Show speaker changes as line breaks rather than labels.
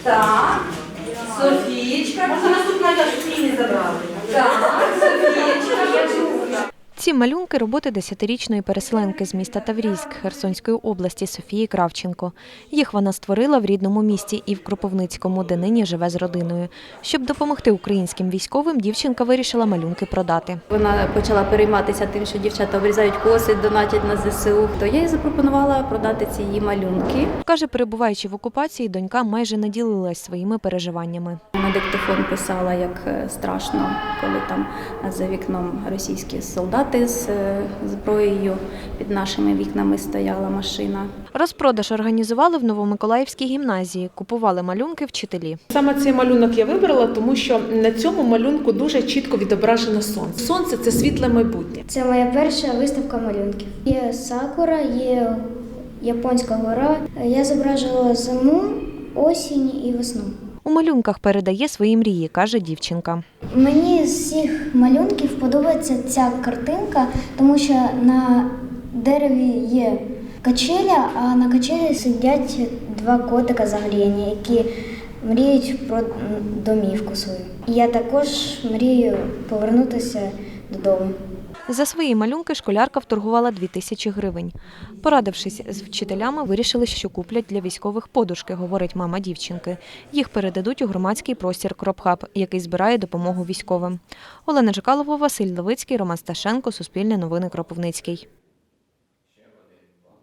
Так, Софієчка. Можна наступна я Софії не забрали. Так, Софієчка.
Ці малюнки – роботи 10-річної переселенки з міста Таврійськ Херсонської області Софії Кравченко. Їх вона створила в рідному місті і в Кропивницькому, де нині живе з родиною. Щоб допомогти українським військовим, дівчинка вирішила малюнки продати.
Вона почала перейматися тим, що дівчата обрізають коси, донатять на ЗСУ. То я їй запропонувала продати ці її малюнки.
Каже, перебуваючи в окупації, донька майже не ділилась своїми переживаннями.
На диктофон писала, як страшно, коли там за вікном російські солдати з зброєю, під нашими вікнами стояла машина.
Розпродаж організували в Новомиколаївській гімназії. Купували малюнки вчителі.
Саме цей малюнок я вибрала, тому що на цьому малюнку дуже чітко відображено сонце. Сонце – це світле майбутнє.
Це моя перша виставка малюнків. Є сакура, є японська гора. Я зображувала зиму, осінь і весну.
У малюнках передає свої мрії, каже дівчинка.
Мені з всіх малюнків подобається ця картинка, тому що на дереві є качеля, а на качелі сидять два котика загріяні, які мріють про домівку свою. І я також мрію повернутися додому.
За свої малюнки школярка вторгувала 2000 гривень. Порадившись з вчителями, вирішили, що куплять для військових подушки, говорить мама дівчинки. Їх передадуть у громадський простір «Кропхаб», який збирає допомогу військовим. Олена Жикалова, Василь Левицький, Роман Сташенко, Суспільне новини, Кропивницький.